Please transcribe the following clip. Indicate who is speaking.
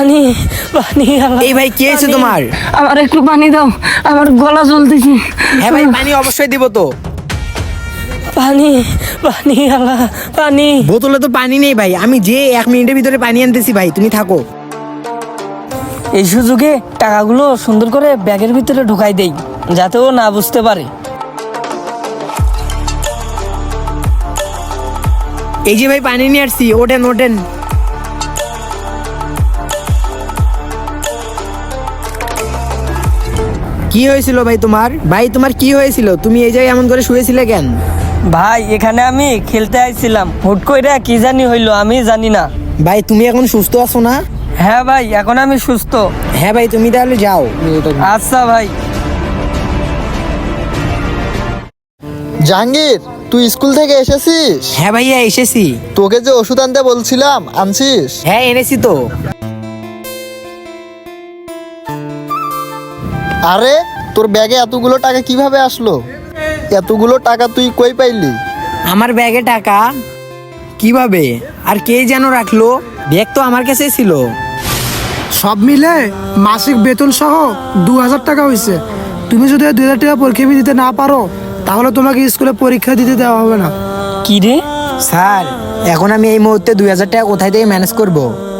Speaker 1: পানি পানি
Speaker 2: এই ভাই কি হয়েছে তোমার?
Speaker 1: আমার একটু পানি দাও, আমার গলা জ্বলতেছে।
Speaker 2: হ্যাঁ ভাই পানি অবশ্যই দিব তো।
Speaker 1: পানি পানি আল্লাহ পানি।
Speaker 2: বোতলে তো পানি নেই ভাই, আমি যে 1 মিনিটের ভিতরে পানি আনতেছি ভাই, তুমি থাকো।
Speaker 1: এই সুযোগে টাকাগুলো সুন্দর করে ব্যাগের ভিতরে ঢুকাই দেই, যাতে ও না বুঝতে পারে।
Speaker 2: এই যে ভাই পানি নিয়ে আসছি, ওঠেন ওঠেন। কি হয়েছিল ভাই তোমার? ভাই তোমার কি হয়েছিল? তুমি এই জায়গায় এমন করে শুয়েছিলে কেন?
Speaker 1: ভাই এখানে আমি খেলতে আইছিলাম, হুট কইরা কি জানি হইলো, আমি জানি না।
Speaker 2: ভাই তুমি এখন সুস্থ আছো না?
Speaker 1: হ্যাঁ ভাই এখন আমি সুস্থ।
Speaker 2: হ্যাঁ ভাই তুমি তাহলে যাও।
Speaker 1: আচ্ছা ভাই।
Speaker 3: জাহাঙ্গীর, তুই স্কুল থেকে এসেছিস?
Speaker 2: হ্যাঁ ভাইয়া এসেছি।
Speaker 3: তোকে যে ওষুধ আনতে বলছিলাম, আনছিস?
Speaker 2: হ্যাঁ এনেছি তো।
Speaker 3: আরে তোর ব্যাগে এতগুলো টাকা কিভাবে আসলো? এতগুলো টাকা তুই কই পাইলি?
Speaker 2: আমার ব্যাগে টাকা কিভাবে আর কে যেন রাখলো? ব্যাগ তো আমার কাছে ছিল।
Speaker 4: সব মিলে মাসিক বেতন সহ 2000 টাকা হয়েছে। তুমি যদি 2000 টাকা পরীক্ষা ফি দিতে না পারো, তাহলে তোমাকে স্কুলে পরীক্ষা দিতে দেওয়া হবে না।
Speaker 1: কি রে?
Speaker 2: স্যার এখন আমি এই মুহূর্তে 2000 টাকা কোথায় থেকে ম্যানেজ করব?